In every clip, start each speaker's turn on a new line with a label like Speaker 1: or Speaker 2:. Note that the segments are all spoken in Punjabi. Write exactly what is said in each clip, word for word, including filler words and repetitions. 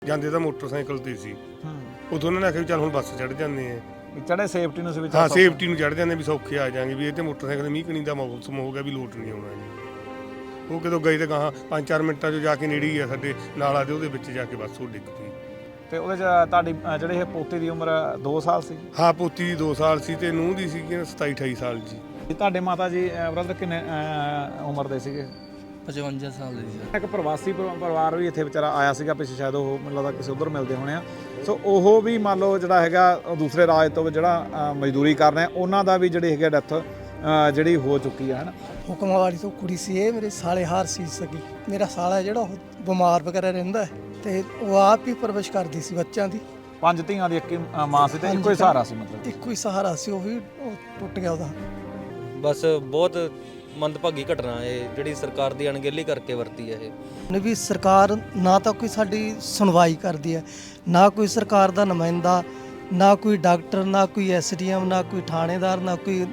Speaker 1: ਜਾਂਦੇ ਤਾਂ ਮੋਟਰਸਾਈਕਲ ਤੇ ਸੀ। ਉਦੋਂ ਉਹਨਾਂ ਨੇ ਆਖਿਆ ਵੀ ਚੱਲ ਹੁਣ ਬੱਸ ਚੜ੍ਹ ਜਾਂਦੇ ਆ
Speaker 2: ਵੀ ਚੜੇ ਸੇਫਟੀ ਨੂੰ ਸੀ ਵੀ
Speaker 1: ਹਾਂ ਸੇਫਟੀ ਨੂੰ ਚੜ੍ਹ ਜਾਂਦੇ ਵੀ ਸੌਖੇ ਆ ਜਾਾਂਗੇ ਵੀ ਇਹ ਤੇ ਮੋਟਰਸਾਈਕਲ ਮੀਂਹ ਕਣੀ ਦਾ ਮੌਸਮ ਹੋ ਗਿਆ ਵੀ ਲੋਟ ਨਹੀਂ ਆਉਣਾ ਜੀ। ਉਹ ਕਿਦੋਂ ਗਏ ਤੇ ਗਾਹਾਂ ਪੰਜ ਚਾਰ ਮਿੰਟਾਂ 'ਚ ਜਾ ਕੇ ਨੇੜੇ ਹੀ ਆ ਸਾਡੇ ਨਾਲਾ ਦੇ ਉਹਦੇ ਵਿੱਚ ਜਾ ਕੇ ਬੱਸ ਉਹ ਡਿੱਗ ਪਈ।
Speaker 2: ਤੇ ਉਹਦੇ 'ਚ ਤੁਹਾਡੀ ਜਿਹੜੇ ਇਹ ਪੋਤੇ ਦੀ ਉਮਰ ਦੋ ਸਾਲ ਸੀ?
Speaker 1: ਹਾਂ ਪੋਤੀ ਦੀ ਦੋ ਸਾਲ ਸੀ ਤੇ ਨੂੰਹ ਦੀ ਸੀਗੀ ਸਤਾਈ ਅਠਾਈ ਸਾਲ ਜੀ।
Speaker 2: ਤੁਹਾਡੇ ਮਾਤਾ ਜੀ ਬ੍ਰਦਰ ਕਿੰਨੇ ਉਮਰ ਦੇ ਸੀਗੇ?
Speaker 3: ਪਚਵੰਜਾ ਸਾਲ ਦੀ ਸੀ।
Speaker 2: ਇੱਕ ਪ੍ਰਵਾਸੀ ਪਰਿਵਾਰ ਵੀ ਇੱਥੇ ਵਿਚਾਰਾ ਆਇਆ ਸੀਗਾ ਪਿੱਛੇ, ਸ਼ਾਇਦ ਉਹ ਮੈਨੂੰ ਲੱਗਦਾ ਕਿਸੇ ਉੱਧਰ ਮਿਲਦੇ ਹੋਣੇ ਆ। ਸੋ ਉਹ ਵੀ ਮੰਨ ਲਓ ਜਿਹੜਾ ਹੈਗਾ ਦੂਸਰੇ ਰਾਜ ਤੋਂ ਜਿਹੜਾ ਮਜ਼ਦੂਰੀ ਕਰ ਰਹੇ ਉਹਨਾਂ ਦਾ ਵੀ ਜਿਹੜੀ ਹੈਗੀ ਡੈਥ ਜਿਹੜੀ ਹੋ ਚੁੱਕੀ ਆ ਹੈ ਨਾ।
Speaker 4: ਹੁਕਮਾਵਾਲੀ ਤੋਂ ਕੁੜੀ ਸੀ ਇਹ, ਮੇਰੇ ਸਾਲੇ ਹਾਰ ਸੀ ਸਕੀ। ਮੇਰਾ ਸਾਲਾ ਜਿਹੜਾ ਉਹ ਬਿਮਾਰ ਵਗੈਰਾ ਰਹਿੰਦਾ ਤੇ ਉਹ ਆਪ ਹੀ ਪਰਵਰਿਸ਼ ਕਰਦੀ ਸੀ ਬੱਚਿਆਂ ਦੀ।
Speaker 2: ਪੰਜ ਧੀਆਂ ਦੀ ਇੱਕ ਮਾਂ ਸੀ ਤੇ ਇੱਕੋ ਹੀ ਸਹਾਰਾ ਸੀ, ਮਤਲਬ
Speaker 4: ਇੱਕੋ ਹੀ ਸਹਾਰਾ ਸੀ, ਉਹ ਵੀ ਉਹ ਟੁੱਟ ਗਿਆ ਉਹਦਾ।
Speaker 3: ਬਸ ਬਹੁਤ ਮੰਦਭਾਗੀ ਘਟਨਾ ਇਹ ਜਿਹੜੀ ਸਰਕਾਰ ਦੀ ਅਣਗਹਿਲੀ ਕਰਕੇ ਵਰਤੀ ਹੈ ਇਹ।
Speaker 4: ਵੀ ਸਰਕਾਰ ਨਾ ਤਾਂ ਕੋਈ ਸਾਡੀ ਸੁਣਵਾਈ ਕਰਦੀ ਹੈ, ਨਾ ਕੋਈ ਸਰਕਾਰ ਦਾ ਨੁਮਾਇੰਦਾ, ਨਾ ਕੋਈ ਡਾਕਟਰ, ਨਾ ਕੋਈ ਐਸ ਡੀ ਐਮ, ਨਾ ਕੋਈ ਥਾਣੇਦਾਰ, ਨਾ ਕੋਈ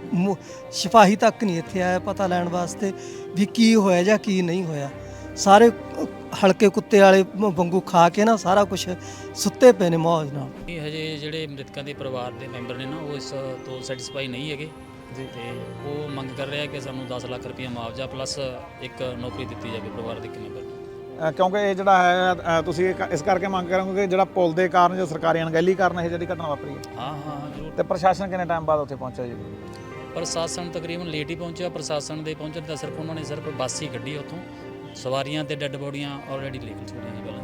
Speaker 4: ਸਿਪਾਹੀ ਤੱਕ ਨਹੀਂ ਇੱਥੇ ਆਇਆ ਪਤਾ ਲੈਣ ਵਾਸਤੇ ਵੀ ਕੀ ਹੋਇਆ ਜਾਂ ਕੀ ਨਹੀਂ ਹੋਇਆ। ਸਾਰੇ ਹਲਕੇ ਕੁੱਤੇ ਵਾਲੇ ਵਾਂਗੂ ਖਾ ਕੇ ਨਾ ਸਾਰਾ ਕੁਝ ਸੁੱਤੇ ਪਏ ਨੇ ਮੌਜ ਨਾਲ।
Speaker 5: ਹਜੇ ਜਿਹੜੇ ਮ੍ਰਿਤਕਾਂ ਦੇ ਪਰਿਵਾਰ ਦੇ ਮੈਂਬਰ ਨੇ ਨਾ ਉਹ ਇਸ ਤੋਂ ਸੈਟੀਸਫਾਈ ਨਹੀਂ ਹੈਗੇ ਜੀ, ਤੇ ਉਹ ਮੰਗ ਕਰ ਰਿਹਾ ਕਿ ਸਾਨੂੰ ਦਸ ਲੱਖ ਰੁਪਏ ਮੁਆਵਜ਼ਾ ਪਲੱਸ ਇੱਕ ਨੌਕਰੀ ਦਿੱਤੀ ਜਾਵੇ ਪਰਿਵਾਰ ਦੇ ਇੱਕ ਮੈਂਬਰ ਨੂੰ।
Speaker 2: ਕਿਉਂਕਿ ਇਹ ਜਿਹੜਾ ਹੈ ਤੁਸੀਂ ਇਸ ਕਰਕੇ ਮੰਗ ਕਰੋਗੇ ਕਿ ਜਿਹੜਾ ਪੁਲ ਦੇ ਕਾਰਨ ਜੋ ਸਰਕਾਰੀ ਅਣਗਹਿਲੀ ਕਾਰਨ ਇਹ ਜਿਹੜੀ ਘਟਨਾ ਵਾਪਰੀ ਹੈ।
Speaker 5: ਹਾਂ ਹਾਂ ਜ਼ਰੂਰ।
Speaker 2: ਤੇ ਪ੍ਰਸ਼ਾਸਨ ਕਿੰਨੇ ਟਾਈਮ ਬਾਅਦ ਉੱਥੇ ਪਹੁੰਚਿਆ ਜੀ?
Speaker 5: ਪ੍ਰਸ਼ਾਸਨ ਤਕਰੀਬਨ ਲੇਟ ਹੀ ਪਹੁੰਚਿਆ। ਪ੍ਰਸ਼ਾਸਨ ਦੇ ਪਹੁੰਚਣ ਦਾ ਸਿਰਫ ਉਹਨਾਂ ਨੇ ਸਿਰਫ ਬੱਸ ਹੀ ਕੱਢੀ ਉੱਥੋਂ, ਸਵਾਰੀਆਂ ਤੇ ਡੈੱਡ ਬੋਡੀਆਂ ਆਲਰੇਡੀ ਲੈ ਕੇ ਛੋੜੀਆਂ ਜੀ ਪਹਿਲਾਂ।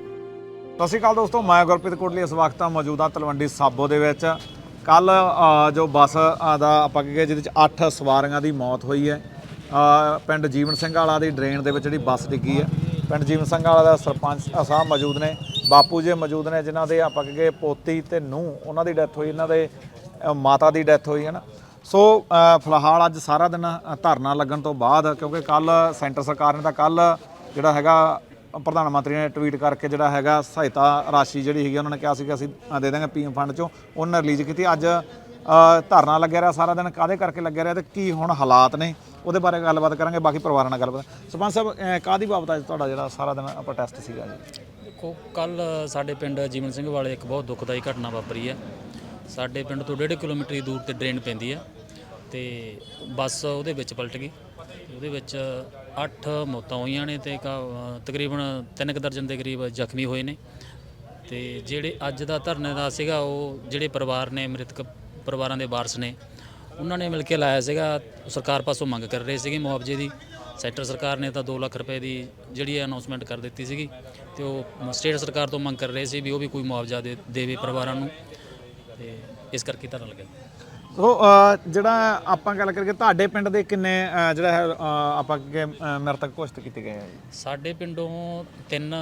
Speaker 2: ਸਤਿ ਸ਼੍ਰੀ ਅਕਾਲ ਦੋਸਤੋ, ਮੈਂ ਗੁਰਪ੍ਰੀਤ ਕੋਟਲੀ ਇਸ ਵਕਤ ਮੌਜੂਦਾ ਤਲਵੰਡੀ ਸਾਬੋ ਦੇ ਵਿੱਚ। ਕੱਲ ਜੋ ਬੱਸ ਦਾ ਆਪਾਂ ਕਹੀਏ ਜਿਹਦੇ 'ਚ ਅੱਠ ਸਵਾਰੀਆਂ ਦੀ ਮੌਤ ਹੋਈ ਹੈ ਪਿੰਡ ਜੀਵਨ ਸਿੰਘ ਵਾਲਾ ਦੀ ਡਰੇਨ ਦੇ ਵਿੱਚ ਜਿਹੜੀ ਬੱਸ ਡਿੱਗੀ ਹੈ। ਪਿੰਡ ਜੀਵਨ ਸਿੰਘ ਵਾਲਾ ਦਾ ਸਰਪੰਚ ਸਾਹਿਬ ਮੌਜੂਦ ਨੇ, ਬਾਪੂ ਜੀ ਮੌਜੂਦ ਨੇ, ਜਿਨ੍ਹਾਂ ਦੇ ਆਪਾਂ ਕਹੀਏ ਪੋਤੀ ਤੇ ਨੂੰਹ ਉਹਨਾਂ ਦੀ ਡੈਥ ਹੋਈ, ਇਹਨਾਂ ਦੇ ਮਾਤਾ ਦੀ ਡੈਥ ਹੋਈ ਹੈ ਨਾ। ਸੋ ਫਿਲਹਾਲ ਅੱਜ ਸਾਰਾ ਦਿਨ ਧਰਨਾ ਲੱਗਣ ਤੋਂ ਬਾਅਦ, ਕਿਉਂਕਿ ਕੱਲ ਸੈਂਟਰ ਸਰਕਾਰ ਨੇ ਤਾਂ ਕੱਲ ਜਿਹੜਾ ਹੈਗਾ ਪ੍ਰਧਾਨ ਮੰਤਰੀ ਨੇ ਟਵੀਟ ਕਰਕੇ ਜਿਹੜਾ ਹੈਗਾ ਸਹਾਇਤਾ ਰਾਸ਼ੀ ਜਿਹੜੀ ਹੈਗੀ ਉਹਨਾਂ ਨੇ ਕਿਹਾ ਸੀ ਕਿ ਅਸੀਂ ਦੇ ਦਾਂਗੇ ਪੀਐਮ ਫੰਡ ਚੋਂ, ਉਹਨਾਂ ਰਿਲੀਜ਼ ਕੀਤੀ। ਅੱਜ ਧਰਨਾ ਲੱਗਿਆ ਰਿਹਾ ਸਾਰਾ ਦਿਨ, ਕਾਹਦੇ ਕਰਕੇ ਲੱਗਿਆ ਰਿਹਾ ਤੇ ਕੀ ਹੁਣ ਹਾਲਾਤ ਨੇ ਉਹਦੇ ਬਾਰੇ ਗੱਲਬਾਤ ਕਰਾਂਗੇ, ਬਾਕੀ ਪਰਿਵਾਰਾਂ ਨਾਲ ਗੱਲਬਾਤ। ਸਰਪੰਚ ਸਾਹਿਬ ਕਾਹਦੀ ਬਾਬਤ ਅੱਜ ਤੁਹਾਡਾ ਜਿਹੜਾ ਸਾਰਾ ਦਿਨ ਪ੍ਰੋਟੈਸਟ ਸੀਗਾ ਜੀ?
Speaker 5: ਦੇਖੋ ਕੱਲ ਸਾਡੇ ਪਿੰਡ ਜੀਵਨ ਸਿੰਘ ਵਾਲੇ ਇੱਕ ਬਹੁਤ ਦੁਖਦਾਈ ਘਟਨਾ ਵਾਪਰੀ ਹੈ। ਸਾਡੇ ਪਿੰਡ ਤੋਂ ਡੇਢ ਕਿਲੋਮੀਟਰ ਦੂਰ ਤੇ ਡਰੇਨ ਪੈਂਦੀ ਹੈ ਤੇ ਬੱਸ ਉਹਦੇ ਵਿੱਚ ਪਲਟ ਗਈ। ਉਹਦੇ ਵਿੱਚ ਅੱਠ ਮੌਤਾਂ ਹੋਈਆਂ ਨੇ ਤੇ ਤਕਰੀਬਨ ਤਿੰਨ ਕੁ ਦਰਜਨ ਦੇ ਕਰੀਬ ਜ਼ਖਮੀ ਹੋਏ ਨੇ। ਤੇ ਜਿਹੜੇ ਅੱਜ ਦਾ ਧਰਨੇ ਦਾ ਸੀਗਾ ਉਹ ਜਿਹੜੇ ਪਰਿਵਾਰ ਨੇ, ਮ੍ਰਿਤਕ ਪਰਿਵਾਰਾਂ ਦੇ ਵਾਰਸ ਨੇ, ਉਹਨਾਂ ਨੇ ਮਿਲ ਕੇ ਲਾਇਆ ਸੀਗਾ। ਸਰਕਾਰ ਪਾਸੋਂ ਮੰਗ ਕਰ ਰਹੇ ਸੀਗੇ ਮੁਆਵਜ਼ੇ ਦੀ। ਸੈਂਟਰ ਸਰਕਾਰ ਨੇ ਤਾਂ ਦੋ ਲੱਖ ਰੁਪਏ ਦੀ ਜਿਹੜੀ ਅਨਾਉਂਸਮੈਂਟ ਕਰ ਦਿੱਤੀ ਸੀਗੀ ਤੇ ਉਹ ਸਟੇਟ ਸਰਕਾਰ ਤੋਂ ਮੰਗ ਕਰ ਰਹੇ ਸੀ ਵੀ ਉਹ ਵੀ ਕੋਈ ਮੁਆਵਜ਼ਾ ਦੇ ਦੇਵੇ ਪਰਿਵਾਰਾਂ ਨੂੰ, ਤੇ ਇਸ ਕਰਕੇ ਧਰਨਾ ਲੱਗਿਆ।
Speaker 2: ਸੋ ਜਿਹੜਾ ਆਪਾਂ ਗੱਲ ਕਰੀਏ ਤੁਹਾਡੇ ਪਿੰਡ ਦੇ ਕਿੰਨੇ ਜਿਹੜਾ ਹੈ ਆਪਾਂ ਕਿ ਮ੍ਰਿਤਕ ਘੋਸ਼ਿਤ ਕੀਤੇ ਗਏ ਆ ਜੀ?
Speaker 5: ਸਾਡੇ ਪਿੰਡੋਂ ਤਿੰਨ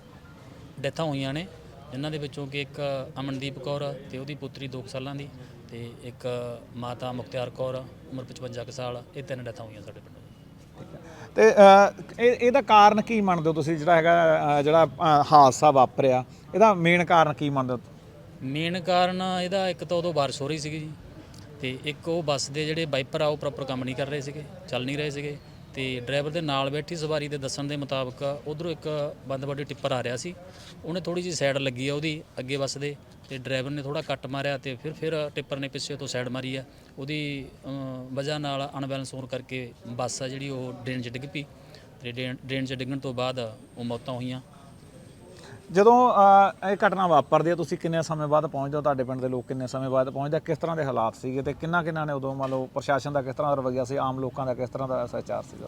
Speaker 5: ਡੈਥਾਂ ਹੋਈਆਂ ਨੇ, ਜਿਨ੍ਹਾਂ ਦੇ ਵਿੱਚੋਂ ਕਿ ਇੱਕ ਅਮਨਦੀਪ ਕੌਰ ਤੇ ਉਹਦੀ ਪੁੱਤਰੀ ਦੋ ਸਾਲਾਂ ਦੀ, ਤੇ ਇੱਕ ਮਾਤਾ ਮੁਖਤਿਆਰ ਕੌਰ ਉਮਰ ਪਚਵੰਜਾ ਕੁ ਸਾਲ। ਇਹ ਤਿੰਨ ਡੈਥਾਂ ਹੋਈਆਂ ਸਾਡੇ ਪਿੰਡੋਂ।
Speaker 2: ਤੇ ਇਹ ਇਹਦਾ ਕਾਰਨ ਕੀ ਮੰਨਦੇ ਹੋ ਤੁਸੀਂ, ਜਿਹੜਾ ਹੈਗਾ ਜਿਹੜਾ ਹਾਦਸਾ ਵਾਪਰਿਆ ਇਹਦਾ ਮੇਨ ਕਾਰਨ ਕੀ ਮੰਨਦੇ ਹੋ?
Speaker 5: ਮੇਨ ਕਾਰਨ ਇਹਦਾ ਇੱਕ ਤਾਂ ਉਦੋਂ ਬਾਰਿਸ਼ ਹੋ ਰਹੀ ਸੀਗੀ ਜੀ, ਤੇ ਇੱਕ ਉਹ ਬੱਸ ਦੇ ਜਿਹੜੇ ਵਾਈਪਰ ਆ ਉਹ ਪ੍ਰੋਪਰ ਕੰਮ ਨਹੀਂ ਕਰ ਰਹੇ ਸੀਗੇ, ਚੱਲ ਨਹੀਂ ਰਹੇ ਸੀਗੇ। ਤੇ ਡਰਾਈਵਰ ਦੇ ਨਾਲ ਬੈਠੀ ਸਵਾਰੀ ਦੇ ਦੱਸਣ ਦੇ ਮੁਤਾਬਕ ਉਧਰੋਂ ਇੱਕ ਬੰਦ ਬੋਡੀ ਟਿੱਪਰ ਆ ਰਿਹਾ ਸੀ, ਉਹਨੇ ਥੋੜੀ ਜਿਹੀ ਸਾਈਡ ਲੱਗੀ ਆ ਉਹਦੀ ਅੱਗੇ ਬੱਸ ਦੇ, ਤੇ ਡਰਾਈਵਰ ਨੇ ਥੋੜਾ ਕੱਟ ਮਾਰਿਆ ਤੇ ਫਿਰ ਫਿਰ ਟਿੱਪਰ ਨੇ ਪਿੱਛੇ ਤੋਂ ਸਾਈਡ ਮਾਰੀ ਆ। ਉਹਦੀ ਵਜ੍ਹਾ ਨਾਲ ਅਨਬੈਲੈਂਸ ਹੋਣ ਕਰਕੇ ਬੱਸ ਆ ਜਿਹੜੀ ਉਹ ਡਰੇਨ 'ਚ ਡਿੱਗ ਪਈ, ਤੇ ਡਰੇਨ 'ਚ ਡਿੱਗਣ ਤੋਂ ਬਾਅਦ ਉਹ ਮੌਤਾਂ ਹੋਈਆਂ।
Speaker 2: ਜਦੋਂ ਇਹ ਘਟਨਾ ਵਾਪਰਦੀ ਹੈ ਤੁਸੀਂ ਕਿੰਨੇ ਸਮੇਂ ਬਾਅਦ ਪਹੁੰਚਦੇ ਹੋ? ਤੁਹਾਡੇ ਪਿੰਡ ਦੇ ਲੋਕ ਕਿੰਨੇ ਸਮੇਂ ਬਾਅਦ ਪਹੁੰਚਦੇ? ਕਿਸ ਤਰ੍ਹਾਂ ਦੇ ਹਾਲਾਤ ਸੀਗੇ ਤੇ ਕਿੰਨਾ ਕਿੰਨਾ ਨੇ ਉਦੋਂ ਮੰਨ ਲਓ ਪ੍ਰਸ਼ਾਸਨ ਦਾ ਕਿਸ ਤਰ੍ਹਾਂ ਦਾ ਰਵੱਈਆ ਸੀ, ਆਮ ਲੋਕਾਂ ਦਾ ਕਿਸ ਤਰ੍ਹਾਂ ਦਾ ਸਹਿਚਾਰ ਸੀਗਾ?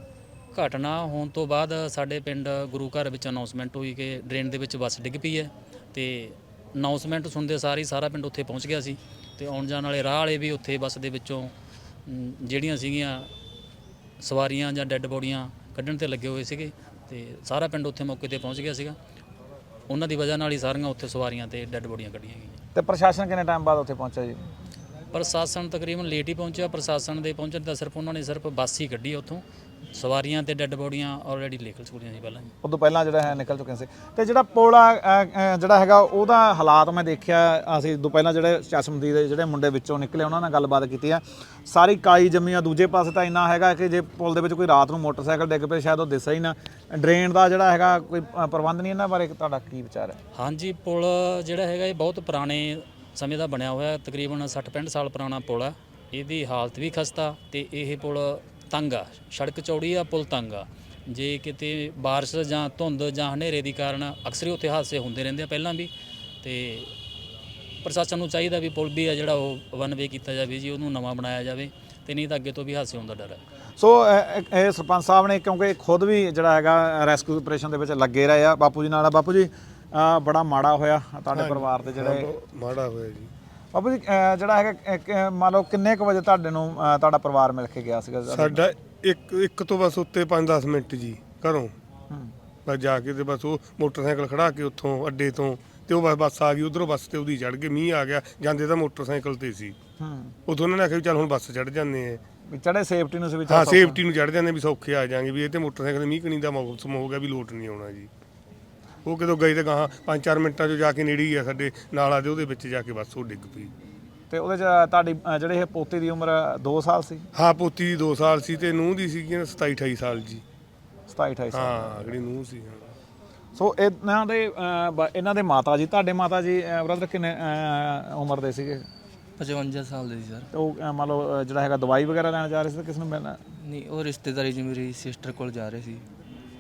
Speaker 5: ਘਟਨਾ ਹੋਣ ਤੋਂ ਬਾਅਦ ਸਾਡੇ ਪਿੰਡ ਗੁਰੂ ਘਰ ਵਿੱਚ ਅਨਾਉਂਸਮੈਂਟ ਹੋਈ ਕਿ ਡਰੇਨ ਦੇ ਵਿੱਚ ਬੱਸ ਡਿੱਗ ਪਈ ਹੈ, ਤੇ ਅਨਾਉਂਸਮੈਂਟ ਸੁਣਦੇ ਸਾਰ ਹੀ ਸਾਰਾ ਪਿੰਡ ਉੱਥੇ ਪਹੁੰਚ ਗਿਆ ਸੀ। ਤੇ ਆਉਣ ਜਾਣ ਵਾਲੇ ਰਾਹ ਵਾਲੇ ਵੀ ਉੱਥੇ ਬੱਸ ਦੇ ਵਿੱਚੋਂ ਜਿਹੜੀਆਂ ਸੀਗੀਆਂ ਸਵਾਰੀਆਂ ਜਾਂ ਡੈੱਡ ਬੋਡੀਆਂ ਕੱਢਣ 'ਤੇ ਲੱਗੇ ਹੋਏ ਸੀਗੇ, ਤੇ ਸਾਰਾ ਪਿੰਡ ਉੱਥੇ ਮੌਕੇ 'ਤੇ ਪਹੁੰਚ ਗਿਆ ਸੀਗਾ। ਉਹਨਾਂ ਦੀ ਵਜ੍ਹਾ ਨਾਲ ਹੀ ਸਾਰੀਆਂ ਉੱਥੇ ਸਵਾਰੀਆਂ ਤੇ ਡੈੱਡ ਬੋਡੀਆਂ ਕੱਢੀਆਂ ਗਈਆਂ।
Speaker 2: ਤੇ ਪ੍ਰਸ਼ਾਸਨ ਕਿੰਨੇ ਟਾਈਮ ਬਾਅਦ ਉੱਥੇ ਪਹੁੰਚਿਆ ਜੀ?
Speaker 5: ਪ੍ਰਸ਼ਾਸਨ ਤਕਰੀਬਨ ਲੇਟ ਹੀ ਪਹੁੰਚਿਆ। ਪ੍ਰਸ਼ਾਸਨ ਦੇ ਪਹੁੰਚਣ ਦਾ ਸਿਰਫ ਉਹਨਾਂ ਨੇ ਸਿਰਫ ਬੱਸ ਹੀ ਕੱਢੀ ਉੱਥੋਂ, ਸਵਾਰੀਆਂ ਤੇ ਡੈੱਡ ਬੋਡੀਆਂ ਆਲਰੇਡੀ ਨਿਕਲ ਚੁੱਕੀਆਂ ਸੀ ਪਹਿਲਾਂ ਹੀ।
Speaker 2: ਉਦੋਂ ਪਹਿਲਾਂ ਜਿਹੜਾ ਹੈ ਨਿਕਲ ਚੁੱਕੇ ਸੀ। ਤੇ ਜਿਹੜਾ ਪੁਲ ਆ ਅ, ਅ, ਜਿਹੜਾ ਹੈਗਾ ਉਹਦਾ ਹਾਲਾਤ ਮੈਂ ਦੇਖਿਆ, ਅਸੀਂ ਉਦੋਂ ਪਹਿਲਾਂ ਜਿਹੜੇ ਚਸ਼ਮਦੀਦ ਦੇ ਜਿਹੜੇ ਮੁੰਡੇ ਵਿੱਚੋਂ ਨਿਕਲੇ ਉਹਨਾਂ ਨਾਲ ਗੱਲਬਾਤ ਕੀਤੀ ਆ, ਸਾਰੀ ਕਾਈ ਜੰਮੀ ਆ। ਦੂਜੇ ਪਾਸੇ ਤਾਂ ਇੰਨਾ ਹੈਗਾ ਕਿ ਜੇ ਪੁਲ ਦੇ ਵਿੱਚ ਕੋਈ ਰਾਤ ਨੂੰ ਮੋਟਰਸਾਈਕਲ ਡਿੱਗ ਪਏ ਸ਼ਾਇਦ ਉਹ ਦਿਸੇ ਹੀ ਨਾ। ਡਰੇਨ ਦਾ ਜਿਹੜਾ ਹੈਗਾ ਕੋਈ ਅ, ਪ੍ਰਬੰਧ ਨਹੀਂ, ਇਹਨਾਂ ਬਾਰੇ ਤੁਹਾਡਾ ਕੀ ਵਿਚਾਰ ਹੈ?
Speaker 5: ਹਾਂਜੀ, ਪੁਲ ਜਿਹੜਾ ਹੈਗਾ ਇਹ ਬਹੁਤ ਪੁਰਾਣੇ ਸਮੇਂ ਦਾ ਬਣਿਆ ਹੋਇਆ, ਤਕਰੀਬਨ ਸੱਠ ਪੈਂਹਠ ਸਾਲ ਪੁਰਾਣਾ ਪੁਲ ਆ। ਇਹਦੀ ਹਾਲਤ ਵੀ ਖਸਤਾ ਤੇ ਇਹ ਪੁਲ ਤੰਗ ਆ, ਸੜਕ ਚੌੜੀ ਆ, ਪੁਲ ਤੰਗ ਆ। ਜੇ ਕਿਤੇ ਬਾਰਿਸ਼ ਜਾਂ ਧੁੰਦ ਜਾਂ ਹਨੇਰੇ ਦੀ ਕਾਰਨ ਅਕਸਰ ਹੀ ਉੱਥੇ ਹਾਦਸੇ ਹੁੰਦੇ ਰਹਿੰਦੇ ਆ ਪਹਿਲਾਂ ਵੀ। ਤੇ ਪ੍ਰਸ਼ਾਸਨ ਨੂੰ ਚਾਹੀਦਾ ਵੀ ਪੁਲ ਵੀ ਆ ਜਿਹੜਾ ਉਹ ਵਨ ਵੇ ਕੀਤਾ ਜਾਵੇ ਜੀ, ਉਹਨੂੰ ਨਵਾਂ ਬਣਾਇਆ ਜਾਵੇ, ਤੇ ਨਹੀਂ ਤਾਂ ਅੱਗੇ ਤੋਂ ਵੀ ਹਾਦਸੇ ਹੋਣ ਦਾ ਡਰ ਹੈ।
Speaker 2: ਸੋ ਅ, ਇਹ ਸਰਪੰਚ ਸਾਹਿਬ ਨੇ, ਕਿਉਂਕਿ ਖੁਦ ਵੀ ਜਿਹੜਾ ਹੈਗਾ ਰੈਸਕਿਊ ਆਪਰੇਸ਼ਨ ਦੇ ਵਿੱਚ ਲੱਗੇ ਰਹੇ ਆ, ਬਾਪੂ ਜੀ ਨਾਲ ਆ। ਬਾਪੂ ਜੀ ਅ, ਬੜਾ ਮਾੜਾ ਹੋਇਆ ਤੁਹਾਡੇ ਪਰਿਵਾਰ ਦੇ ਜਿਹੜੇ
Speaker 1: ਬਹੁਤ ਮਾੜਾ ਹੋਇਆ ਜੀ।
Speaker 2: ਬਾਪੂ ਜੀ ਅ, ਜਿਹੜਾ ਹੈਗਾ ਇੱਕ, ਅ, ਮੰਨ ਲਓ ਕਿੰਨੇ ਕੁ ਵਜੇ ਤੁਹਾਡੇ ਨੂੰ ਅ, ਤੁਹਾਡਾ ਪਰਿਵਾਰ ਮਿਲ ਕੇ ਗਿਆ ਸੀਗਾ?
Speaker 1: ਸਾਡਾ ਇੱਕ ਇੱਕ ਤੋਂ ਬਸ ਉੱਤੇ ਪੰਜ ਦਸ ਮਿੰਟ ਜੀ ਘਰੋਂ
Speaker 2: ਹੂੰ
Speaker 1: ਬਸ ਜਾ ਕੇ ਤੇ ਬਸ ਉਹ ਮੋਟਰਸਾਈਕਲ ਖੜਾ ਕੇ ਉੱਥੋਂ ਅੱਡੇ ਤੋਂ ਤੇ ਉਹ ਬਸ ਬੱਸ ਆ ਗਈ ਉਧਰੋਂ, ਬੱਸ ਤੇ ਉਹਦੀ ਚੜ ਗਏ। ਮੀਂਹ ਆ ਗਿਆ, ਜਾਂਦੇ ਤਾਂ ਮੋਟਰਸਾਈਕਲ ਤੇ ਸੀ।
Speaker 2: ਹੂੰ
Speaker 1: ਉਦੋਂ ਉਹਨਾਂ ਨੇ ਆਖਿਆ ਵੀ ਚੱਲ ਹੁਣ ਬੱਸ ਚੜ ਜਾਂਦੇ ਆ।
Speaker 2: ਵੀ ਚੜੇ ਸੇਫਟੀ ਨੂੰ ਸੀ ਵੀ
Speaker 1: ਹਾਂ,
Speaker 2: ਚੱਲ
Speaker 1: ਸੇਫਟੀ ਨੂੰ ਚੜ ਜਾਂਦੇ ਵੀ ਸੌਖੇ ਆ ਜਾਾਂਗੇ ਵੀ ਇਹ ਤੇ ਮੋਟਰਸਾਈਕਲ ਮੀਂਹ ਕਣੀ ਦਾ ਮੌਸਮ ਹੋ ਗਿਆ ਵੀ ਲੋਟ ਨਹੀਂ ਆਉਣਾ ਜੀ। ਉਹ ਕਿਦੋਂ ਗਏ ਤੇ ਗਾਹਾਂ ਪੰਜ ਚਾਰ ਮਿੰਟਾਂ 'ਚ ਜਾ ਕੇ ਨੇੜੇ ਹੀ ਆ ਸਾਡੇ ਨਾਲਾ ਦੇ, ਉਹਦੇ ਵਿੱਚ ਜਾ ਕੇ ਬੱਸ ਉਹ ਡਿੱਗ ਪਈ।
Speaker 2: ਤੇ ਉਹਦੇ ਚ ਤੁਹਾਡੀ ਅ, ਜਿਹੜੇ ਇਹ ਪੋਤੇ ਦੀ ਉਮਰ ਦੋ ਸਾਲ ਸੀ?
Speaker 1: ਹਾਂ, ਪੋਤੀ ਦੀ ਦੋ ਸਾਲ ਸੀ ਤੇ ਨੂੰਹ ਦੀ ਸੀਗੀ ਸਤਾਈ ਅਠਾਈ ਸਾਲ ਜੀ।
Speaker 2: ਸਤਾਈ ਅਠਾਈ ਸਾਲ।
Speaker 1: ਹਾਂ, ਜਿਹੜੀ ਨੂੰਹ ਸੀ। ਹਾਂ,
Speaker 2: ਸੋ ਇਹਨਾਂ ਦੇ ਅ, ਬ- ਇਹਨਾਂ ਦੇ ਮਾਤਾ ਜੀ, ਤੁਹਾਡੇ ਮਾਤਾ ਜੀ ਬ੍ਰਦਰ ਕਿੰਨੇ ਅ, ਉਮਰ ਦੇ ਸੀਗੇ?
Speaker 6: ਪਚਵੰਜਾ ਸਾਲ ਦੇ ਸੀ ਸਰ।
Speaker 2: ਤੇ ਉਹ ਅ, ਮੰਨ ਲਓ ਅ, ਜਿਹੜਾ ਹੈਗਾ ਦਵਾਈ ਵਗੈਰਾ ਲੈਣ ਜਾ ਰਹੇ ਸੀ ਤਾਂ ਕਿਸ ਨੂੰ ਮਿਲਣਾ?
Speaker 6: ਨਹੀਂ, ਉਹ ਰਿਸ਼ਤੇਦਾਰੀ 'ਚ ਮੇਰੀ ਸਿਸਟਰ ਕੋਲ ਜਾ ਰਹੇ ਸੀ।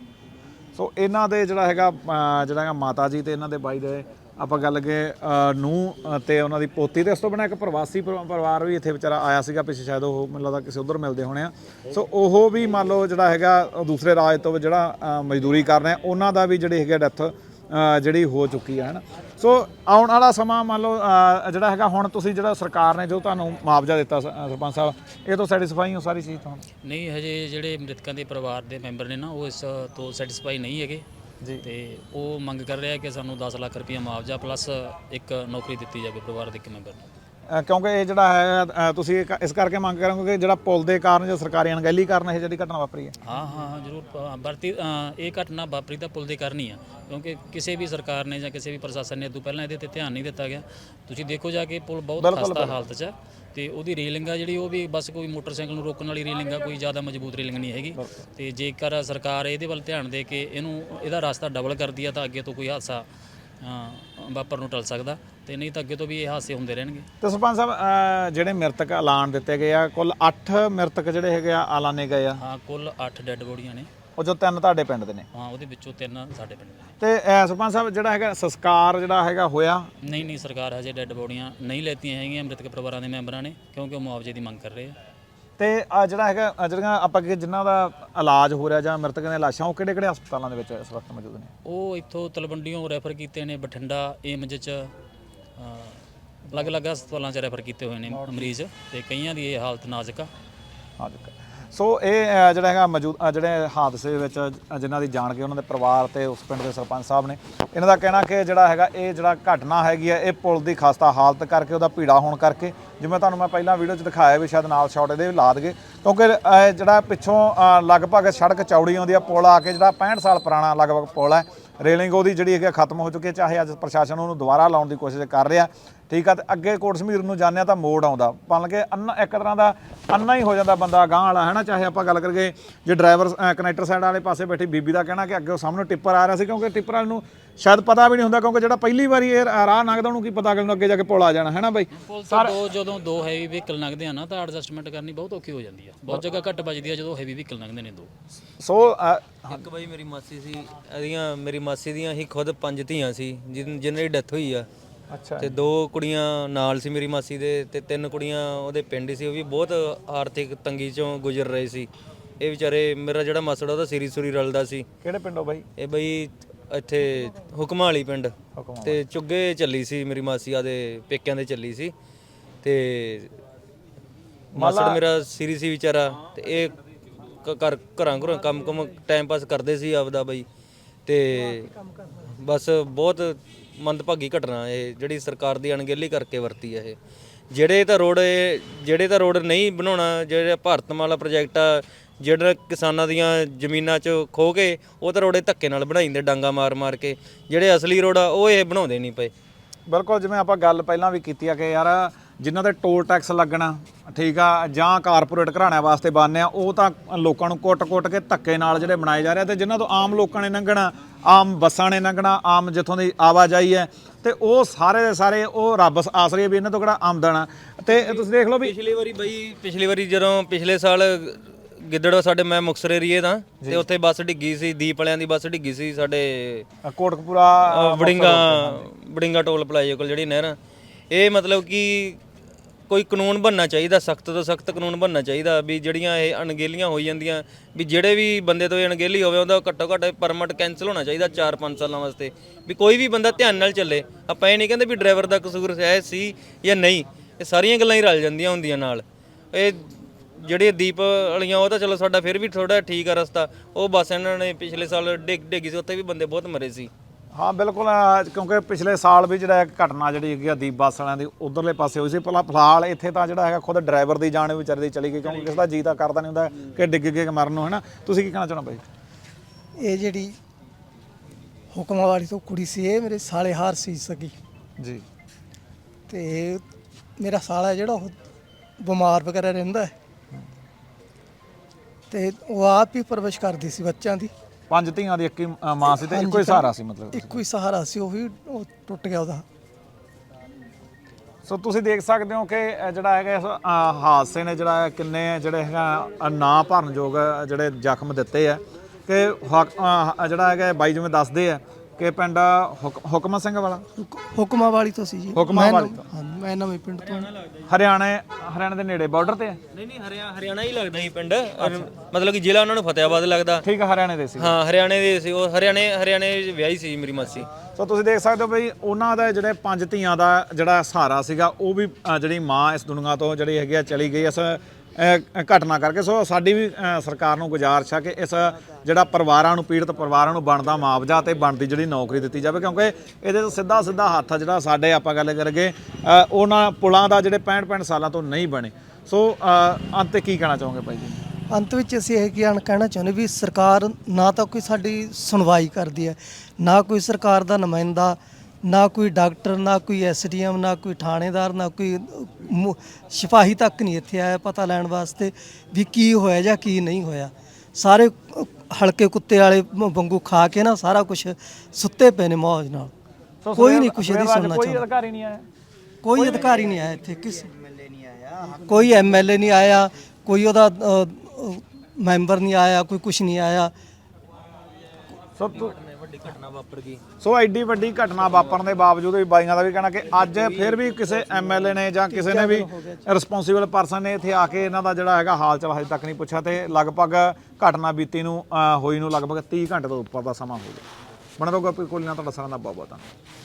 Speaker 2: ਸੋ ਇਹਨਾਂ ਦੇ ਜਿਹੜਾ ਹੈਗਾ ਅ, ਜਿਹੜਾ ਹੈਗਾ ਮਾਤਾ ਜੀ ਤੇ ਇਹਨਾਂ ਦੇ ਬਾਈ ਦੇ ਆਪਾਂ ਗੱਲ ਕਿ ਨੂੰਹ ਤੇ ਉਹਨਾਂ ਦੀ ਪੋਤੀ ਤੇ ਉਸ ਤੋਂ ਬਿਨਾਂ ਇੱਕ ਪ੍ਰਵਾਸੀ ਪਰ- ਪਰਿਵਾਰ ਵੀ ਇੱਥੇ ਵਿਚਾਰਾ ਆਇਆ ਸੀਗਾ ਪਿੱਛੇ, ਸ਼ਾਇਦ ਉਹ ਮੈਨੂੰ ਲੱਗਦਾ ਕਿਸੇ ਉਧਰ ਮਿਲਦੇ ਹੋਣੇ ਆ। ਸੋ ਉਹ ਵੀ ਮੰਨ ਲਓ ਜਿਹੜਾ ਹੈਗਾ ਉਹ ਦੂਸਰੇ ਰਾਜ ਤੋਂ ਜਿਹੜਾ ਅ, ਮਜ਼ਦੂਰੀ ਕਰ ਰਹੇ ਆ, ਉਹਨਾਂ ਦਾ ਵੀ ਜਿਹੜੀ ਹੈਗਾ ਡੈਥ ਜਿਹੜੀ ਹੋ ਚੁੱਕੀ ਹੈ, ਹੈ ਨਾ। ਸੋ ਆਉਣ ਵਾਲਾ ਸਮਾਂ ਮੰਨ ਲਓ ਅ, ਜਿਹੜਾ ਹੈਗਾ ਹੁਣ ਤੁਸੀਂ ਜਿਹੜਾ ਸਰਕਾਰ ਨੇ ਜੋ ਤੁਹਾਨੂੰ ਮੁਆਵਜ਼ਾ ਦਿੱਤਾ ਸ- ਅ, ਸਰਪੰਚ ਸਾਹਿਬ, ਇਹ ਤੋਂ ਸੈਟੀਸਫਾਈ ਹੋ ਸਾਰੀ ਚੀਜ਼ ਤੋਂ?
Speaker 5: ਨਹੀਂ, ਹਜੇ ਜਿਹੜੇ ਮ੍ਰਿਤਕਾਂ ਦੇ ਪਰਿਵਾਰ ਦੇ ਮੈਂਬਰ ਨੇ ਨਾ ਉਹ ਇਸ ਤੋਂ ਸੈਟੀਸਫਾਈ ਨਹੀਂ ਹੈਗੇ
Speaker 2: ਜੀ।
Speaker 5: ਤੇ ਉਹ ਮੰਗ ਕਰ ਰਿਹਾ ਕਿ ਸਾਨੂੰ ਦਸ ਲੱਖ ਰੁਪਏ ਮੁਆਵਜ਼ਾ ਪਲੱਸ ਇੱਕ ਨੌਕਰੀ ਦਿੱਤੀ ਜਾਵੇ ਪਰਿਵਾਰ ਦੇ ਇੱਕ ਮੈਂਬਰ ਨੂੰ।
Speaker 2: ਅ, ਕਿਉਂਕਿ ਇਹ ਜਿਹੜਾ ਹੈ ਅ, ਤੁਸੀਂ ਇਹ ਕ- ਇਸ ਕਰਕੇ ਮੰਗ ਕਰੋਗੇ ਕਿ ਜਿਹੜਾ ਪੁਲ ਦੇ ਕਾਰਨ ਜੋ ਸਰਕਾਰੀ ਅਣਗਹਿਲੀ ਕਾਰਨ ਇਹ ਜਿਹੜੀ ਘਟਨਾ ਵਾਪਰੀ ਹੈ?
Speaker 5: ਹਾਂ ਹਾਂ ਹਾਂ ਜ਼ਰੂਰ ਪ- ਵਰਤੀ ਅ, ਇਹ ਘਟਨਾ ਵਾਪਰੀ ਤਾਂ ਪੁਲ ਦੇ ਕਾਰਨ ਹੀ ਆ, ਕਿਉਂਕਿ ਕਿਸੇ ਵੀ ਸਰਕਾਰ ਨੇ ਜਾਂ ਕਿਸੇ ਵੀ ਪ੍ਰਸ਼ਾਸਨ ਨੇ ਇਹ ਤੋਂ ਪਹਿਲਾਂ ਇਹਦੇ ਤੇ ਧਿਆਨ ਨਹੀਂ ਦਿੱਤਾ ਗਿਆ। ਤੁਸੀਂ ਦੇਖੋ ਜਾ ਕੇ ਪੁਲ ਬਹੁਤ ਖਸਤਾ ਹਾਲਤ 'ਚ ਆ ਤੇ ਉਹਦੀ ਰੇਲਿੰਗ ਆ ਜਿਹੜੀ ਉਹ ਵੀ ਬਸ ਕੋਈ ਮੋਟਰਸਾਈਕਲ ਨੂੰ ਰੋਕਣ ਵਾਲੀ ਰੇਲਿੰਗ ਆ, ਕੋਈ ਜ਼ਿਆਦਾ ਮਜ਼ਬੂਤ ਰੇਲਿੰਗ ਨਹੀਂ ਹੈਗੀ। ਤੇ ਜੇਕਰ ਸਰਕਾਰ ਇਹਦੇ ਵੱਲ ਧਿਆਨ ਦੇ ਕੇ ਇਹਨੂੰ ਇਹਦਾ ਰਸਤਾ ਡਬਲ ਕਰਦੀ ਆ ਤਾਂ ਅੱਗੇ ਤੋਂ ਕੋਈ ਹਾਦਸਾ ਅ, ਵਾਪਰ ਨੂੰ ਟਲ ਸਕਦਾ, ਤੇ ਨਹੀਂ ਤਾਂ ਅੱਗੇ ਤੋਂ ਵੀ ਇਹ ਹਾਦਸੇ ਹੁੰਦੇ ਰਹਿਣਗੇ।
Speaker 2: ਤੇ ਸਰਪੰਚ ਸਾਹਿਬ ਅ, ਜਿਹੜੇ ਮ੍ਰਿਤਕ ਐਲਾਨ ਦਿੱਤੇ ਗਏ ਆ, ਕੁੱਲ ਅੱਠ ਮ੍ਰਿਤਕ ਜਿਹੜੇ ਹੈਗੇ ਆ ਐਲਾਨੇ ਗਏ ਆ।
Speaker 5: ਹਾਂ, ਕੁੱਲ ਅੱਠ ਡੈੱਡ ਬੋਡੀਆਂ ਨੇ।
Speaker 2: ਉਹ ਜੋ ਤਿੰਨ ਤੁਹਾਡੇ ਪਿੰਡ ਦੇ ਨੇ?
Speaker 5: ਹਾਂ, ਉਹਦੇ ਵਿੱਚੋਂ ਤਿੰਨ ਸਾਡੇ ਪਿੰਡ ਦੇ ਨੇ।
Speaker 2: ਤੇ ਅ, ਸਰਪੰਚ ਸਾਹਿਬ ਜਿਹੜਾ ਹੈਗਾ ਸੰਸਕਾਰ ਜਿਹੜਾ ਹੈਗਾ ਹੋਇਆ?
Speaker 5: ਨਹੀਂ ਨਹੀਂ, ਸਰਕਾਰ ਹਜੇ ਡੈੱਡ ਬੋਡੀਆਂ ਨਹੀਂ ਲੈਤੀਆਂ ਹੈਗੀਆਂ ਮ੍ਰਿਤਕ ਪਰਿਵਾਰਾਂ ਦੇ ਮੈਂਬਰਾਂ ਨੇ, ਕਿਉਂਕਿ ਉਹ ਮੁਆਵਜ਼ੇ ਦੀ ਮੰਗ ਕਰ ਰਹੇ ਆ।
Speaker 2: ਤੇ ਅ, ਜਿਹੜਾ ਹੈਗਾ ਅ, ਜਿਹੜੀਆਂ ਆਪਾਂ ਕਿ ਜਿਨ੍ਹਾਂ ਦਾ ਇਲਾਜ ਹੋ ਰਿਹਾ ਜਾਂ ਮ੍ਰਿਤਕਾਂ ਦੀਆਂ ਲਾਸ਼ਾਂ, ਉਹ ਕਿਹੜੇ ਕਿਹੜੇ ਹਸਪਤਾਲਾਂ ਦੇ ਵਿੱਚ ਇਸ ਵਕਤ ਮੌਜੂਦ ਨੇ?
Speaker 5: ਉਹ ਇੱਥੋਂ ਤਲਵੰਡੀਓਂ ਰੈਫਰ ਕੀਤੇ ਨੇ, ਬਠਿੰਡਾ ਏਮਜ 'ਚ ਅ, ਅਲੱਗ-ਅਲੱਗ ਹਸਪਤਾਲਾਂ 'ਚ ਰੈਫਰ ਕੀਤੇ ਹੋਏ ਨੇ ਮਰੀਜ਼, ਤੇ ਕਈਆਂ ਦੀ ਇਹ ਹਾਲਤ ਨਾਜ਼ੁਕ ਆ।
Speaker 2: ਹਾਂ ਜੀ। ਸੋ ਇਹ ਅ, ਜਿਹੜਾ ਹੈਗਾ ਮੌਜੂਦ ਅ, ਜਿਹੜੇ ਹਾਦਸੇ ਵਿੱਚ ਅ, ਜਿਨ੍ਹਾਂ ਦੀ ਜਾਣ ਕੇ ਉਹਨਾਂ ਦੇ ਪਰਿਵਾਰ ਤੇ ਉਸ ਪਿੰਡ ਦੇ ਸਰਪੰਚ ਸਾਹਿਬ ਨੇ, ਇਹਨਾਂ ਦਾ ਕਹਿਣਾ ਕਿ ਜਿਹੜਾ ਹੈਗਾ ਇਹ ਜਿਹੜਾ ਘਟਨਾ ਹੈਗੀ ਹੈ ਇਹ ਪੁਲ ਦੀ ਖਸਤਾ ਹਾਲਤ ਕਰਕੇ, ਉਹਦਾ ਭੀੜਾ ਹੋਣ ਕਰਕੇ, ਜਿਵੇਂ ਤੁਹਾਨੂੰ ਮੈਂ ਪਹਿਲਾਂ ਵੀਡੀਓ 'ਚ ਦਿਖਾਇਆ ਵੀ ਸ਼ਾਇਦ ਨਾਲ ਸ਼ਾਟ ਇਹਦੇ ਵੀ ਲਾ ਦਗੇ, ਕਿਉਂਕਿ ਅ, ਜਿਹੜਾ ਪਿੱਛੋਂ ਅ, ਲਗਭਗ ਸੜਕ ਚੌੜੀ ਆਉਂਦੀ ਆ, ਪੁਲ ਆ ਕੇ ਜਿਹੜਾ ਪੈਂਹਠ ਸਾਲ ਪੁਰਾਣਾ ਲਗਭਗ ਪੁਲ ਹੈ, ਰੇਲਿੰਗ ਉਹਦੀ ਜਿਹੜੀ ਹੈਗੀ ਖਤਮ ਹੋ ਚੁੱਕੀ ਹੈ। ਚਾਹੇ ਅੱਜ ਪ੍ਰਸ਼ਾਸਨ ਉਹਨੂੰ ਦੁਬਾਰਾ ਲਾਉਣ ਦੀ ਕੋਸ਼ਿਸ਼ ਕਰ ਰਿਹਾ, ਠੀਕ ਆ, ਤੇ ਅੱਗੇ ਕੋਟ ਸਮੀਰ ਨੂੰ ਜਾਂਦੇ ਆ ਤਾਂ ਮੋੜ ਆਉਂਦਾ, ਬਣ ਕੇ ਅੰਨਾ ਇੱਕ ਤਰ੍ਹਾਂ ਦਾ ਅੰਨਾ ਹੀ ਹੋ ਜਾਂਦਾ ਬੰਦਾ ਗਾਂਹ ਵਾਲਾ, ਹੈ ਨਾ। ਚਾਹੇ ਆਪਾਂ ਗੱਲ ਕਰੀਏ ਜੇ ਡਰਾਈਵਰ ਕਨੈਕਟਰ ਸਾਈਡ ਵਾਲੇ ਪਾਸੇ ਬੈਠੀ ਬੀਬੀ ਦਾ ਕਹਿਣਾ ਕਿ ਅੱਗੇ ਉਹ ਸਾਹਮਣੇ ਟਿੱਪਰ ਆ ਰਿਹਾ ਸੀ, ਕਿਉਂਕਿ ਟਿੱਪਰ ਵਾਲੇ ਨੂੰ ਸ਼ਾਇਦ ਪਤਾ ਵੀ ਨਹੀਂ ਹੁੰਦਾ, ਕਿਉਂਕਿ ਜਿਹੜਾ ਪਹਿਲੀ ਵਾਰੀ ਇਹ ਰਾਹ ਲੰਘਦਾ ਉਹਨੂੰ ਕੀ ਪਤਾ ਕਿ ਉਹਨੂੰ ਅੱਗੇ ਜਾ ਕੇ ਪੁਲ ਆ ਜਾਣਾ, ਹੈ ਨਾ ਬਾਈ।
Speaker 5: ਪੁਲ ਤੋਂ ਦੋ ਜਦੋਂ ਦੋ ਹੈਵੀ ਵਹੀਕਲ ਲੰਘਦੇ ਆ ਨਾ ਤਾਂ ਐਡਜਸਟਮੈਂਟ ਕਰਨੀ ਬਹੁਤ ਔਖੀ ਹੋ ਜਾਂਦੀ ਆ, ਬਹੁਤ ਜਗ੍ਹਾ ਘੱਟ ਵੱਜਦੀ ਆ ਜਦੋਂ ਹੈਵੀ ਵਹੀਕਲ ਲੰਘਦੇ ਨੇ ਦੋ।
Speaker 2: ਸੋ ਅ,
Speaker 3: ਇੱਕ ਬਾਈ ਮੇਰੀ ਮਾਸੀ ਸੀ, ਇਹਦੀਆਂ ਮੇਰੀ ਮਾਸੀ ਦੀਆਂ ਹੀ ਖੁਦ ਪੰਜ ਧੀਆਂ ਸੀ ਜਿਨ ਜਿਨ੍ਹਾਂ ਦੀ ਡੈਥ ਹੋਈ ਆ।
Speaker 2: ਅੱਛਾ।
Speaker 3: ਤੇ ਦੋ ਕੁੜੀਆਂ ਨਾਲ ਸੀ ਮੇਰੀ ਮਾਸੀ ਦੇ, ਤੇ ਤਿੰਨ ਕੁੜੀਆਂ ਉਹਦੇ ਪਿੰਡ ਸੀ, ਉਹ ਵੀ ਬਹੁਤ ਆਰਥਿਕ ਤੰਗੀ ਚੋਂ ਗੁਜ਼ਰ ਰਹੇ ਸੀ। ਇਹ ਵਿਚਾਰੇ, ਮੇਰਾ ਜਿਹੜਾ ਮਾਸੜ ਉਹਦਾ ਸਿਰੀ ਸੁਰੀ ਰਲਦਾ ਸੀ।
Speaker 2: ਕਿਹੜੇ ਪਿੰਡੋਂ ਬਾਈ?
Speaker 3: ਇਹ ਬਈ ਇੱਥੇ ਹੁਕਮਾਂ ਵਾਲੀ ਪਿੰਡ,
Speaker 2: ਹੁਕਮਾਂ
Speaker 3: ਤੇ ਚੁੱਗੇ ਚੱਲੀ ਸੀ ਮੇਰੀ ਮਾਸੀ ਆਦੇ ਪੇਕਿਆਂ ਦੇ ਚੱਲੀ ਸੀ, ਤੇ ਮਾਸੜ ਮੇਰਾ ਸਿਰੀ ਸੀ ਵਿਚਾਰਾ, ਤੇ ਇਹ ਕ- ਘਰ ਘਰਾਂ ਘਰਾਂ ਕੰਮ ਕੰਮ ਟਾਈਮ ਪਾਸ ਕਰਦੇ ਸੀ ਆਪਦਾ ਬਈ। ਤੇ ਬਸ ਬਹੁਤ ਮੰਦਭਾਗੀ ਘਟਨਾ ਇਹ ਜਿਹੜੀ ਸਰਕਾਰ ਦੀ ਅਣਗਹਿਲੀ ਕਰਕੇ ਵਰਤੀ ਹੈ। ਇਹ ਜਿਹੜੇ ਤਾਂ ਰੋਡ ਇਹ ਜਿਹੜੇ ਤਾਂ ਰੋਡ ਨਹੀਂ ਬਣਾਉਣਾ, ਜਿਹੜਾ ਭਾਰਤਮਾਲਾ ਪ੍ਰੋਜੈਕਟ ਆ ਜਿਹੜਾ ਕਿਸਾਨਾਂ ਦੀਆਂ ਜ਼ਮੀਨਾਂ 'ਚ ਖੋ ਕੇ ਉਹ ਤਾਂ ਰੋੜੇ ਧੱਕੇ ਨਾਲ ਬਣਾਈ ਜਾਂਦੇ ਡਾਂਗਾ ਮਾਰ ਮਾਰ ਕੇ, ਜਿਹੜੇ ਅਸਲੀ ਰੋਡ ਆ ਉਹ ਇਹ ਬਣਾਉਂਦੇ ਨਹੀਂ ਪਏ।
Speaker 2: ਬਿਲਕੁਲ, ਜਿਵੇਂ ਆਪਾਂ ਗੱਲ ਪਹਿਲਾਂ ਵੀ ਕੀਤੀ ਆ ਕਿ ਯਾਰ ਜਿਨ੍ਹਾਂ ਤੇ ਟੋਲ ਟੈਕਸ ਲੱਗਣਾ, ਠੀਕ ਆ, ਜਾਂ ਕਾਰਪੋਰੇਟ ਘਰਾਣਿਆਂ ਵਾਸਤੇ ਬਣਨੇ ਆ, ਉਹ ਤਾਂ ਲੋਕਾਂ ਨੂੰ ਕੁੱਟ-ਕੁੱਟ ਕੇ ਧੱਕੇ ਨਾਲ ਜਿਹੜੇ ਬਣਾਏ ਜਾ ਰਹੇ ਤੇ ਜਿਨ੍ਹਾਂ ਤੋਂ ਆਮ ਲੋਕਾਂ ਨੇ ਲੰਘਣਾ, ਆਮ ਬੱਸਾਂ ਨੇ ਲੰਘਣਾ, ਆਮ ਜਿੱਥੋਂ ਦੀ ਆਵਾਜਾਈ ਹੈ, ਤੇ ਉਹ ਸਾਰੇ ਦੇ ਸਾਰੇ ਉਹ ਰੱਬ ਆਸਰੇ ਆ ਵੀ ਇਹਨਾਂ ਤੋਂ ਕਿਹੜਾ ਆਮਦਨ ਆ। ਤੇ ਤੁਸੀਂ ਦੇਖ ਲਓ ਵੀ
Speaker 3: ਪਿਛਲੀ ਵਾਰੀ ਬਈ ਪਿਛਲੀ ਵਾਰੀ ਜਦੋਂ ਪਿਛਲੇ ਸਾਲ ਗਿੱਦੜੋ ਸਾਡੇ ਮੈਂ ਮੁਕਤਸਰ ਏਰੀਏ ਦਾ, ਤੇ ਉੱਥੇ ਬੱਸ ਡਿੱਗੀ ਸੀ, ਦੀਪ ਵਾਲਿਆਂ ਦੀ ਬੱਸ ਡਿੱਗੀ ਸੀ ਸਾਡੇ
Speaker 2: ਕੋਟਕਪੂਰਾ
Speaker 3: ਬੜਿੰਗਾ ਬੜਿੰਗਾ ਟੋਲ ਪਲਾਜ਼ੇ ਕੋਲ ਜਿਹੜੀ ਨਹਿਰ ਆ। ਇਹ ਮਤਲਬ ਕਿ ਕੋਈ ਕਾਨੂੰਨ ਬਣਨਾ ਚਾਹੀਦਾ, ਸਖਤ ਤੋਂ ਸਖਤ ਕਾਨੂੰਨ ਬਣਨਾ ਚਾਹੀਦਾ ਵੀ ਜਿਹੜੀਆਂ ਇਹ ਅਣਗਹਿਲੀਆਂ ਹੋਈ ਜਾਂਦੀਆਂ, ਵੀ ਜਿਹੜੇ ਵੀ ਬੰਦੇ ਤੋਂ ਇਹ ਅਣਗਹਿਲੀ ਹੋਵੇ ਉਹਦਾ ਘੱਟੋ ਘੱਟ ਪਰਮਿਟ ਕੈਂਸਲ ਹੋਣਾ ਚਾਹੀਦਾ ਚਾਰ ਪੰਜ ਸਾਲਾਂ ਵਾਸਤੇ, ਵੀ ਕੋਈ ਵੀ ਬੰਦਾ ਧਿਆਨ ਨਾਲ ਚੱਲੇ। ਆਪਾਂ ਇਹ ਨਹੀਂ ਕਹਿੰਦੇ ਵੀ ਡਰਾਈਵਰ ਦਾ ਕਸੂਰ ਹੈ ਸੀ ਜਾਂ ਨਹੀਂ, ਇਹ ਸਾਰੀਆਂ ਗੱਲਾਂ ਹੀ ਰਲ ਜਾਂਦੀਆਂ ਹੁੰਦੀਆਂ ਨਾਲ। ਇਹ ਜਿਹੜੇ ਦੀਪ ਵਾਲੀਆਂ ਉਹ ਤਾਂ ਚਲੋ ਸਾਡਾ ਫਿਰ ਵੀ ਥੋੜਾ ਠੀਕ ਆ ਰਸਤਾ, ਉਹ ਬੱਸ ਇਹਨਾਂ ਨੇ ਪਿਛਲੇ ਸਾਲ ਡਿੱਗ ਡਿੱਗੀ ਸੀ, ਉੱਥੇ ਵੀ ਬੰਦੇ ਬਹੁਤ ਮਰੇ ਸੀ।
Speaker 2: ਹਾਂ ਬਿਲਕੁਲ, ਅਹ ਕਿਉਂਕਿ ਪਿਛਲੇ ਸਾਲ ਵੀ ਜਿਹੜਾ ਇੱਕ ਘਟਨਾ ਜਿਹੜੀ ਹੈਗੀ ਆ ਦੀਪ ਬੱਸ ਵਾਲਿਆਂ ਦੀ ਉਧਰਲੇ ਪਾਸੇ ਹੋਈ ਸੀ। ਪਹਿਲਾਂ ਫਿਲਹਾਲ ਇੱਥੇ ਤਾਂ ਜਿਹੜਾ ਹੈਗਾ ਖੁਦ ਡਰਾਈਵਰ ਦੀ ਜਾਨ ਵਿਚਾਰੇ ਦੀ ਚਲੀ ਗਈ, ਕਿਉਂਕਿ ਕਿਸੇ ਦਾ ਜੀ ਤਾਂ ਕਰਦਾ ਨਹੀਂ ਹੁੰਦਾ ਕਿ ਡਿੱਗ ਕੇ ਮਰਨ ਨੂੰ, ਹੈ ਨਾ। ਤੁਸੀਂ ਕੀ ਕਹਿਣਾ ਚਾਹੁੰਦੇ ਬਾਈ?
Speaker 4: ਇਹ ਜਿਹੜੀ ਹੁਕਮਾਂ ਵਾਲੀ ਤੋਂ ਕੁੜੀ ਸੀ, ਇਹ ਮੇਰੇ ਸਾਲੇ ਹਾਰ ਸੀ ਸਕੀ
Speaker 2: ਜੀ।
Speaker 4: ਤੇ ਮੇਰਾ ਸਾਲਾ ਜਿਹੜਾ ਉਹ ਬਿਮਾਰ ਵਗੈਰਾ ਰਹਿੰਦਾ ਹੈ, ਤੇ ਉਹ ਆਪ ਹੀ ਪਰਵਰਿਸ਼ ਕਰਦੀ ਸੀ ਬੱਚਿਆਂ ਦੀ।
Speaker 2: ਪੰਜ ਧੀਆਂ ਦੀ ਇੱਕ ਹੀ ਅਹ, ਮਾਂ ਸੀ ਤੇ ਇੱਕੋ ਹੀ ਸਹਾਰਾ ਸੀ, ਮਤਲਬ
Speaker 4: ਇੱਕੋ ਹੀ ਸਹਾਰਾ ਸੀ, ਉਹ ਵੀ ਉਹ ਟੁੱਟ ਗਿਆ ਉਹਦਾ।
Speaker 2: ਸੋ ਤੁਸੀਂ ਦੇਖ ਸਕਦੇ ਹੋ ਕਿ ਇਹ ਜਿਹੜਾ ਹੈਗਾ ਇਸ ਅਹ, ਹਾਦਸੇ ਨੇ ਜਿਹੜਾ ਕਿੰਨੇ ਜਿਹੜੇ ਹੈਗਾ ਅਹ, ਨਾ ਭਰਨਯੋਗ ਜਿਹੜੇ ਜ਼ਖਮ ਦਿੱਤੇ ਆ ਕਿ ਹੁਕ- ਅਹ, ਜਿਹੜਾ ਹੈਗਾ ਬਾਈ ਜਿਵੇਂ ਦੱਸਦੇ ਆ ਕਿ ਪਿੰਡ ਹੁਕ- ਹੁਕਮ ਸਿੰਘ ਵਾਲਾ
Speaker 4: ਹੁਕ- ਹੁਕਮਾਂ ਵਾਲੀ ਤੋਂ ਸੀ ਜੀ।
Speaker 2: ਹੁਕਮਾਂ
Speaker 4: ਮੈਂ
Speaker 2: ਵਾਲੀ
Speaker 4: ਨਵ- ਹਾਂ, ਮੈਂ ਨਵੇਂ ਪਿੰਡ ਤੋਂ।
Speaker 2: ਹਰਿਆਣੇ ਹਰਿਆਣੇ ਦੇ ਨੇੜੇ ਬਾਰਡਰ ਤੇ ਹੈ।
Speaker 3: ਨਹੀਂ ਨਹੀਂ ਹਰਿਆ ਹਰਿਆਣਾ ਹੀ ਲੱਗਦਾ ਸੀ ਪਿੰਡ, ਮਤਲਬ ਕਿ ਜ਼ਿਲ੍ਹਾ ਉਹਨਾਂ ਨੂੰ ਫਤਿਆਬਾਦ ਲੱਗਦਾ।
Speaker 2: ਠੀਕ ਹੈ, ਹਰਿਆਣੇ ਦੇ ਸੀ।
Speaker 3: ਹਾਂ ਹਰਿਆਣੇ ਦੇ ਸੀ ਉਹ, ਹਰਿਆਣੇ ਹਰਿਆਣੇ ਵਿਆਹੀ ਸੀ ਮੇਰੀ ਮਾਸੀ।
Speaker 2: ਸੋ ਤੁਸੀਂ ਦੇਖ ਸਕਦੇ ਹੋ ਬਈ ਉਹਨਾਂ ਦਾ ਜਿਹੜੇ ਪੰਜ ਧੀਆਂ ਦਾ ਜਿਹੜਾ ਸਹਾਰਾ ਸੀਗਾ ਉਹ ਵੀ ਅ, ਜਿਹੜੀ ਮਾਂ ਇਸ ਦੁਨੀਆ ਤੋਂ ਜਿਹੜੀ ਹੈਗੀ ਆ ਚਲੀ ਗਈ ਇਸ ਅ, ਘਟਨਾ ਕਰਕੇ। ਸੋ ਸਾਡੀ ਵੀ ਅ, ਸਰਕਾਰ ਨੂੰ ਗੁਜ਼ਾਰਿਸ਼ ਆ ਕਿ ਇਸ ਜਿਹੜਾ ਪਰਿਵਾਰਾਂ ਨੂੰ, ਪੀੜਤ ਪਰਿਵਾਰਾਂ ਨੂੰ ਬਣਦਾ ਮੁਆਵਜ਼ਾ ਤੇ ਬਣਦੀ ਜਿਹੜੀ ਨੌਕਰੀ ਦਿੱਤੀ ਜਾਵੇ, ਕਿਉਂਕਿ ਇਹਦੇ ਤੋਂ ਸਿੱਧਾ ਸਿੱਧਾ ਹੱਥ ਆ ਜਿਹੜਾ ਸਾਡੇ ਆਪਾਂ ਗੱਲ ਕਰਗੇ ਅ, ਉਹਨਾਂ ਪੁਲਾਂ ਦਾ ਜਿਹੜੇ ਪੈਂਹਠ ਪੈਂਹਠ ਸਾਲਾਂ ਤੋਂ ਨਹੀਂ ਬਣੇ। ਸੋ ਅ, ਅੰਤ ਤੇ ਕੀ ਕਹਿਣਾ ਚਾਹੋਗੇ ਭਾਈ ਜੀ?
Speaker 4: ਅੰਤ ਵਿੱਚ ਅਸੀਂ ਇਹ ਕਹਿਣਾ ਕਹਿਣਾ ਚਾਹੁੰਦੇ ਵੀ ਸਰਕਾਰ ਨਾ ਤਾਂ ਕੋਈ ਸਾਡੀ ਸੁਣਵਾਈ ਕਰਦੀ ਹੈ, ਨਾ ਕੋਈ ਸਰਕਾਰ ਦਾ ਨੁਮਾਇੰਦਾ, ਨਾ ਕੋਈ ਡਾਕਟਰ, ਨਾ ਕੋਈ ਐਸਡੀਐਮ, ਨਾ ਕੋਈ ਥਾਣੇਦਾਰ, ਨਾ ਕੋਈ ਮੁ- ਸਿਪਾਹੀ ਤੱਕ ਨਹੀਂ ਇੱਥੇ ਆਇਆ ਪਤਾ ਲੈਣ ਵਾਸਤੇ ਵੀ ਕੀ ਹੋਇਆ ਜਾਂ ਕੀ ਨਹੀਂ ਹੋਇਆ। ਸਾਰੇ ਹਲਕੇ ਕੁੱਤੇ ਵਾਲੇ ਵਾਂਗੂ ਖਾ ਕੇ ਨਾ ਸਾਰਾ ਕੁਝ ਸੁੱਤੇ ਪਏ ਨੇ ਮੌਜ ਨਾਲ।
Speaker 2: ਸੋ
Speaker 4: ਕੋਈ ਨਹੀਂ ਕੁਛ ਇਹਦੀ
Speaker 2: ਸਵੇਰ ਅੱਜ
Speaker 4: ਸੁਣਨਾ
Speaker 2: ਕੋਈ
Speaker 4: ਚਾਹੁੰਦਾ।
Speaker 2: ਅਧਿਕਾਰੀ ਨਹੀਂ ਆਇਆ।
Speaker 4: ਕੋਈ ਅਧਿਕਾਰੀ ਨਹੀਂ ਆਇਆ ਇੱਥੇ, ਕਿਸੇ ਕੋਈ ਐਮਐਲਏ ਨਹੀਂ ਆਇਆ, ਕੋਈ ਉਹਦਾ ਅ, ਅ, ਮੈਂਬਰ ਨਹੀਂ ਆਇਆ, ਕੋਈ ਕੁਝ ਨਹੀਂ ਆਇਆ।
Speaker 2: ਸੋ ਤੁ-
Speaker 3: ਵੱਡੀ ਘਟਨਾ ਵਾਪਰ ਗਈ।
Speaker 2: ਸੋ ਐਡੀ ਵੱਡੀ ਘਟਨਾ ਵਾਪਰਨ ਦੇ ਬਾਵਜੂਦ ਵੀ ਬਾਈਆਂ ਦਾ ਵੀ ਕਹਿਣਾ ਕਿ ਅੱਜ ਫਿਰ ਵੀ ਕਿਸੇ ਐਮਐਲਏ ਨੇ ਜਾਂ ਕਿਸੇ ਨੇ ਵੀ ਰਿਸਪੌਂਸੀਬਲ ਪਰਸਨ ਨੇ ਇੱਥੇ ਆ ਕੇ ਇਹਨਾਂ ਦਾ ਜਿਹੜਾ ਹੈਗਾ ਹਾਲ ਚਾਲ ਹਜੇ ਤੱਕ ਨਹੀਂ ਪੁੱਛਿਆ, ਤੇ ਲਗਭਗ ਘਟਨਾ ਬੀਤੀ ਨੂੰ ਅ, ਹੋਈ ਨੂੰ ਲਗਭਗ ਤੀਹ ਘੰਟੇ ਤੋਂ ਉੱਪਰ ਦਾ ਸਮਾਂ ਹੋ ਗਿਆ। ਬਣਾ ਰਹੋ ਕੋਈ ਕੋਲ ਨਾ, ਤੁਹਾਡਾ ਸਾਰਿਆਂ ਦਾ ਬਹੁਤ ਬਹੁਤ ਧੰਨਵਾਦ।